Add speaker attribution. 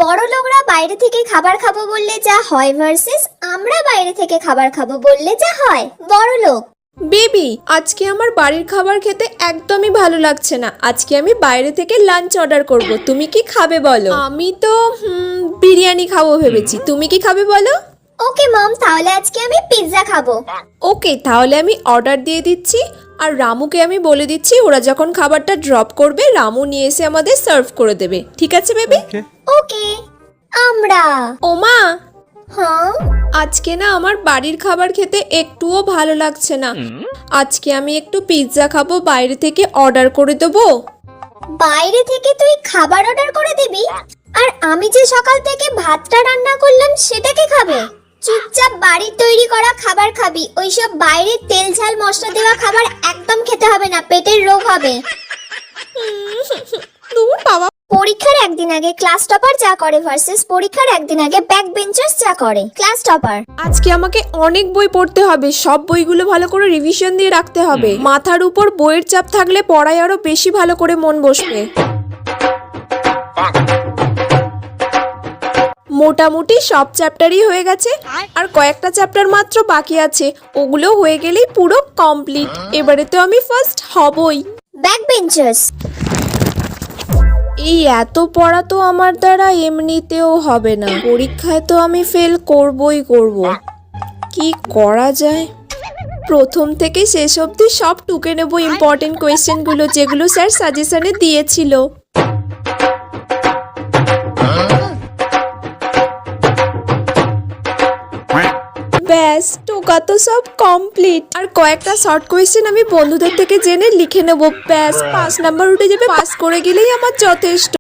Speaker 1: বড়লোকরা বাইরে থেকে খাবার খাবো বললে যা হয় ভার্সেস আমরা বাইরে থেকে খাবার খাবো বললে যা হয়। বড়লোক
Speaker 2: বেবি, আজকে আমার বাড়ির খাবার খেতে একদমই ভালো লাগছে না। আজকে আমি বাইরে থেকে লাঞ্চ অর্ডার করব। তুমি কি খাবে বলো? আমি তো বিরিয়ানি খাবো ভেবেছি। তুমি কি খাবে বলো?
Speaker 1: ওকে মম, তাহলে আজকে আমি পিৎজা খাবো।
Speaker 2: ওকে, তাহলে আমি অর্ডার দিয়ে দিচ্ছি। আর রামুকে আমি বলে দিচ্ছি ওরা যখন খাবারটা ড্রপ করবে রামু নিয়ে এসে আমাদের সার্ভ করে দেবে। ঠিক আছে বেবি?
Speaker 1: ওকে। আমরা
Speaker 2: ওমা,
Speaker 1: হ্যাঁ
Speaker 2: আজকে না আমার বাড়ির খাবার খেতে একটুও ভালো লাগছে না। আজকে আমি একটু পিৎজা খাবো, বাইরে থেকে অর্ডার করে দেবো।
Speaker 1: বাইরে থেকে তুই খাবার অর্ডার করে দিবি? আর আমি যে সকাল থেকে ভাতটা রান্না করলাম সেটাকে খাবে? চুপচাপ বাড়ির তৈরি করা খাবার খাবি। ওইসব বাইরের তেল ঝাল মশলা দেওয়া খাবার একদম খেতে হবে না, পেটের রোগ হবে।
Speaker 2: দূর বাবা।
Speaker 1: পরীক্ষার একদিন আগে ক্লাস টপার যা করে ভার্সেস পরীক্ষার একদিন আগে ব্যাক বেঞ্চার্স যা করে। ক্লাস টপার
Speaker 2: আজকে আমাকে অনেক বই পড়তে হবে, সব বইগুলো ভালো করে রিভিশন দিয়ে রাখতে হবে। মাথার উপর বইয়ের চাপ থাকলে পড়ায় আরো বেশি ভালো করে মন বসবে। মোটামুটি সব চ্যাপ্টারই হয়ে গেছে, আর কয়েকটা চ্যাপ্টার মাত্র বাকি আছে। ওগুলো হয়ে গেলেই পুরো কমপ্লিট। এবারে তো আমি ফার্স্ট হবই।
Speaker 1: ব্যাক বেঞ্চার্স
Speaker 2: এই এত পড়া তো আমার দ্বারা এমনিতেও হবে না। পরীক্ষায় তো আমি ফেল করবই করব। কি করা যায়? প্রথম থেকে শেষ অবধি সব টুকে নেব ইম্পর্টেন্ট কোয়েশ্চেনগুলো যেগুলো স্যার সাজেশনে দিয়েছিল। ব্যাস, টোকা তো সব কমপ্লিট। আর কয়েকটা শর্ট কোয়েশ্চেন আমি বন্ধুদের থেকে জেনে লিখে নেব। ব্যাস 5 নাম্বার উঠে যাবে। পাস করে গেলেই আমার যথেষ্ট।